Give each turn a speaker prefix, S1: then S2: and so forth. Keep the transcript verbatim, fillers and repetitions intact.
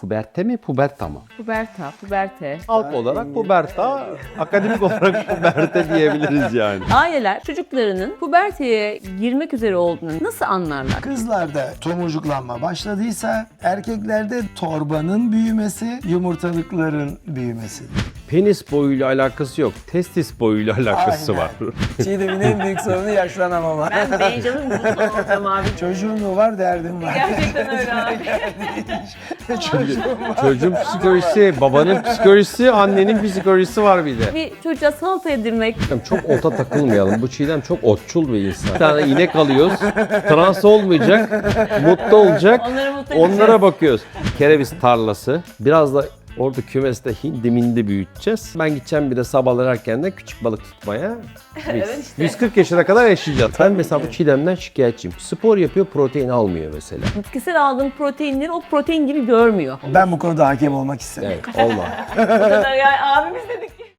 S1: Puberte mi, puberta mı?
S2: Puberta, puberte.
S1: Halk olarak puberta, akademik olarak puberte diyebiliriz yani.
S2: Aileler çocuklarının puberteye girmek üzere olduğunu nasıl anlarlar?
S3: Kızlarda tomurcuklanma başladıysa erkeklerde torbanın büyümesi, yumurtalıkların büyümesi.
S1: Penis boyuyla alakası yok, testis boyuyla alakası
S3: Aynen.
S1: var.
S3: Çiğdem'in en büyük sorunu yaşlanamama.
S2: Ben Benjamin Button olacağım abi.
S3: Çocuğun mu var, derdim var.
S2: Gerçekten öyle abi.
S1: Çocuğun psikolojisi, babanın psikolojisi, annenin psikolojisi var bir de.
S2: Bir çocuğa salata yedirmek.
S1: Çok ota takılmayalım. Bu Çiğdem çok otçul bir insan. Bir tane inek alıyoruz, trans olmayacak, mutlu olacak.
S2: Onları mutlu edeceğiz.
S1: Onlara bakıyoruz. Kereviz tarlası. Biraz da orada kümeste hindi mindi büyüteceğiz. Ben gideceğim bir de sabahlar erkenden küçük balık tutmaya. Biz
S2: Evet işte.
S1: yüz kırk yaşına kadar yaşayacağız. Ben mesela bu Çiğdem'den şikayetçiyim. Spor yapıyor, protein almıyor mesela.
S2: Bitkisel aldığın proteinleri o protein gibi görmüyor.
S3: Ben bu konuda hakem olmak isterim.
S1: Evet, olma.
S2: O kadar yani abimiz